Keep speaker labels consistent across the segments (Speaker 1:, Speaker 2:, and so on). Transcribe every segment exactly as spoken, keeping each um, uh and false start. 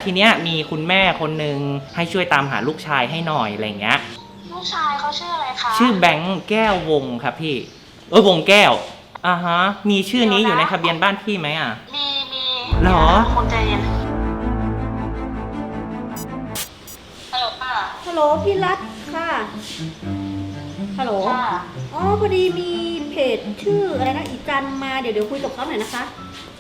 Speaker 1: ทีเนี้ยมีคุณแม่คนหนึ่งให้ช่วยตามหาลูกชายให้หน่อยอะไรเงี้ย
Speaker 2: ลูกชายเขาชื่ออะไรคะ
Speaker 1: ชื่อแบงค์แก้ววงครับพี่เออวงแก้วอ่าฮะมีชื่อนี้อยู่ในทะเบียนบ้านพี่ไหมอ่ะ
Speaker 2: มีมี
Speaker 1: หรอ
Speaker 2: คนใจเย็นฮัลโหลค่ะ
Speaker 3: ฮัลโหลพี่รัตค่ะฮัลโหลอ๋อพอดีมีเพจชื่ออะไรนะอีจันมาเดี๋ยวเดี๋ยวคุยกับเขาหน่อยนะคะ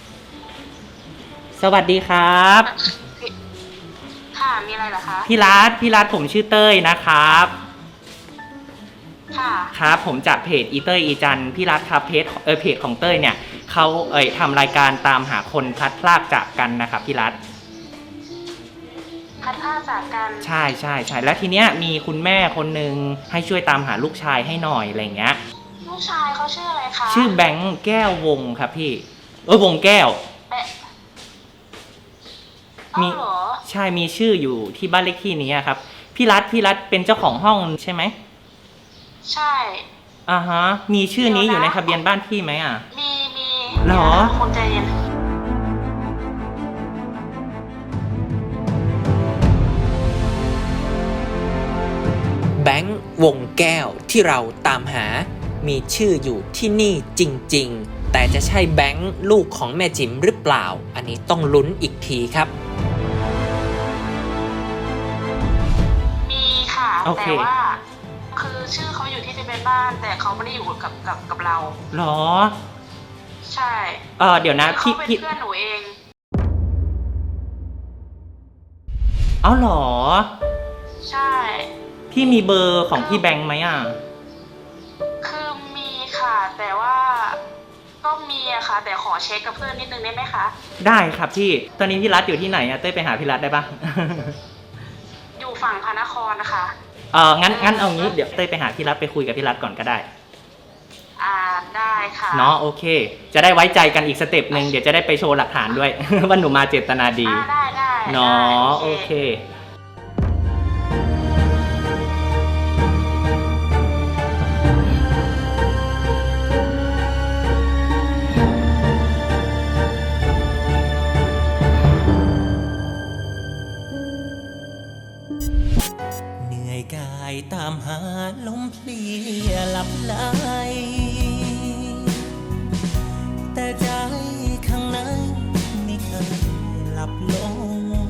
Speaker 1: สวัสดีครับ
Speaker 2: ค่ะมีอะไรเหรอคะ
Speaker 1: พี่รัตพี่รัตผมชื่อเต้ยนะครับ
Speaker 2: ค่ะ
Speaker 1: ครับผมจากเพจอีเต้ยอีจันพี่รัตครับเพจเออเพจของเต้ยเนี่ยเขาเอ่ยทำรายการตามหาคนพลัดพรากจากกันนะครับพี่รัต
Speaker 2: พลัดพรากจากกัน
Speaker 1: ใช่ใช่ใช่แล้วทีเนี้ยมีคุณแม่คนหนึ่งให้ช่วยตามหาลูกชายให้หน่อยอะไรเงี้ย
Speaker 2: ลูกชายเขาชื่ออะไรคะ
Speaker 1: ชื่อแบงค์แก้ววงครับพี่เออวงแก้วมีใช่มีชื่ออยู่ที่บ้านเลขที่นี้ครับพี่รัตพี่รัตเป็นเจ้าของห้องใช่ไหม
Speaker 2: ใช่
Speaker 1: อ่าฮะมีชื่อนี้อยู่ในทะเบียนบ้านพี่ไหมอ่ะ
Speaker 2: มีมี
Speaker 1: หรอ
Speaker 2: คนใจเย็น
Speaker 4: แบงค์วงแก้วที่เราตามหามีชื่ออยู่ที่นี่จริงๆแต่จะใช่แบงค์ลูกของแม่จิ๋มหรือเปล่าอันนี้ต้องลุ้นอีกทีครับ
Speaker 2: มีค่ะแต่ว่าคือชื่อเขาอยู่ที่ทะเบียนบ้านแต่เขาไม่ได้อยู่กับกับกับเรา
Speaker 1: หรอ
Speaker 2: ใช่
Speaker 1: เออเดี๋ยวนะพี่
Speaker 2: พี่เพื่อนหนูเอง
Speaker 1: เอาหรอ
Speaker 2: ใช่
Speaker 1: พี่มีเบอร์ของพี่แบงค์ไหมอ่ะ
Speaker 2: คือมีค่ะแต่ว่าก็มีอะค่ะแต่ขอเช็คกับเพื่อนนิดนึงได้ไหมคะ
Speaker 1: ได้ครับพี่ตอนนี้พี่รัฐอยู่ที่ไหนอะเต้ยไปหาพี่รัฐได้ปะ
Speaker 2: อยู่ฝั่งพระนครนะคะ
Speaker 1: เอองั้นงั้นเอางี้เดี๋ยวเต้ยไปหาพี่รัฐไปคุยกับพี่รัฐก่อนก็ได้
Speaker 2: อ่าได้ค่ะ
Speaker 1: เนาะโอเคจะได้ไว้ใจกันอีกสเต็ปหนึ่งเดี๋ยวจะได้ไปโชว์หลักฐานด้วย ว่าหนูมาเจตนาดี
Speaker 2: ได้ได้
Speaker 1: เนาะโอเค
Speaker 4: เหนื่อยกายตามหาลมเพลียหลับไหลแต่ใจข้างในไม่เคยหลับลง